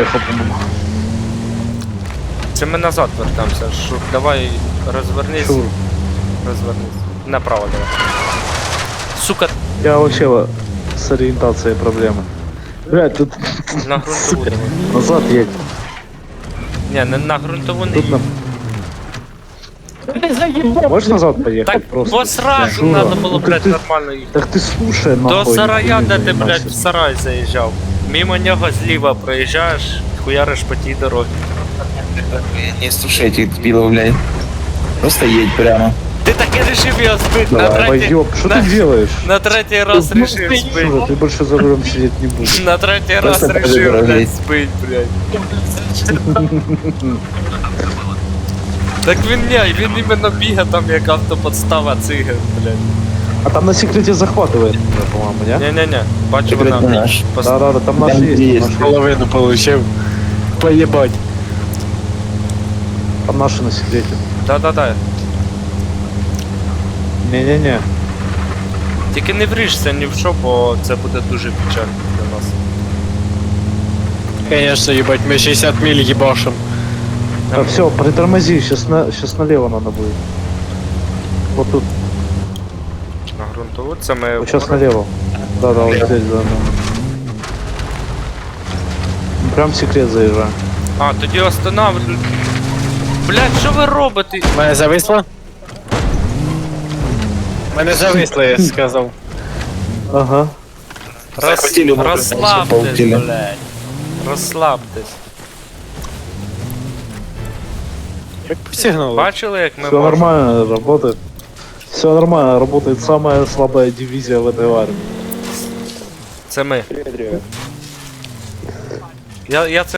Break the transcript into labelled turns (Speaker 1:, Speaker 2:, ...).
Speaker 1: проехал, по-моему.
Speaker 2: Це ми назад вертаємося. Шур, давай розвернись.
Speaker 1: Шур.
Speaker 2: Розвернись. Направо давай. Сука,
Speaker 1: Я вообще с ориентацией проблемы. Блядь, тут
Speaker 2: на грунтову давай.
Speaker 1: назад едь.
Speaker 2: Ні, на грунтову не
Speaker 1: Тут
Speaker 2: їдь.
Speaker 1: Можешь назад поехать
Speaker 2: Так,
Speaker 1: просто?
Speaker 2: бо сразу
Speaker 1: Шура,
Speaker 2: надо було,
Speaker 1: ну
Speaker 2: блядь,
Speaker 1: ты-
Speaker 2: нормально їхати.
Speaker 1: Так ты слушай,
Speaker 2: До
Speaker 1: нахуй.
Speaker 2: сарая,
Speaker 1: нихуя
Speaker 2: де
Speaker 1: не
Speaker 2: ти, блядь,
Speaker 1: значит.
Speaker 2: в сарай заїжджав. Мимо нього зліва проїжджаєш, хуяриш по тій дорозі.
Speaker 3: Не слушай этих дебилов, блядь. Просто едь прямо.
Speaker 2: Ти таки рішив його збити на
Speaker 1: Давай,
Speaker 2: третій...
Speaker 1: пойдем. Что
Speaker 2: на-
Speaker 1: ты делаешь?
Speaker 2: На третій раз
Speaker 1: Ну,
Speaker 2: рішив збити.
Speaker 1: Шура, ты больше за рулем сидеть не будешь.
Speaker 2: На третій раз
Speaker 3: Просто
Speaker 2: рішив,
Speaker 3: подожди.
Speaker 2: блядь, збить, блядь. Так він іменно бігає там як автоподстава циган, блядь.
Speaker 1: А там на секрете захватывает, по-моему, не?
Speaker 2: Не-не-не, бачу
Speaker 3: Секрет
Speaker 2: вона.
Speaker 3: наш.
Speaker 1: Да, там наши
Speaker 3: Там
Speaker 1: есть.
Speaker 3: есть.
Speaker 1: Наши есть.
Speaker 4: Половину получив. Поебать.
Speaker 1: Там наши на секрете.
Speaker 2: Да-да-да.
Speaker 1: Не-не-не.
Speaker 2: Тільки не вріжся ні в що, бо це буде дуже печально для нас.
Speaker 4: Конечно, ебать, мы 60 миль ебашим.
Speaker 1: Так, все, притормози, сейчас налево надо будет. Вот тут,
Speaker 2: На грунтову це ми...
Speaker 1: вот сейчас налево. Да, вот здесь, да. Прям в секрет заезжаем.
Speaker 2: А, тоді останавливаю. Блядь, що ви робите?
Speaker 4: Мене зависло? Мене зависло, я сказав.
Speaker 1: Ага.
Speaker 3: Захватили, мы
Speaker 2: Розслабтесь,
Speaker 3: полетели.
Speaker 2: блядь. Розслабтесь.
Speaker 4: Як посігнало.
Speaker 2: Бачили, як ми
Speaker 1: Все нормально работает. Все нормально, работает самая слабая дивизия в этой армии.
Speaker 2: Це ми. Я це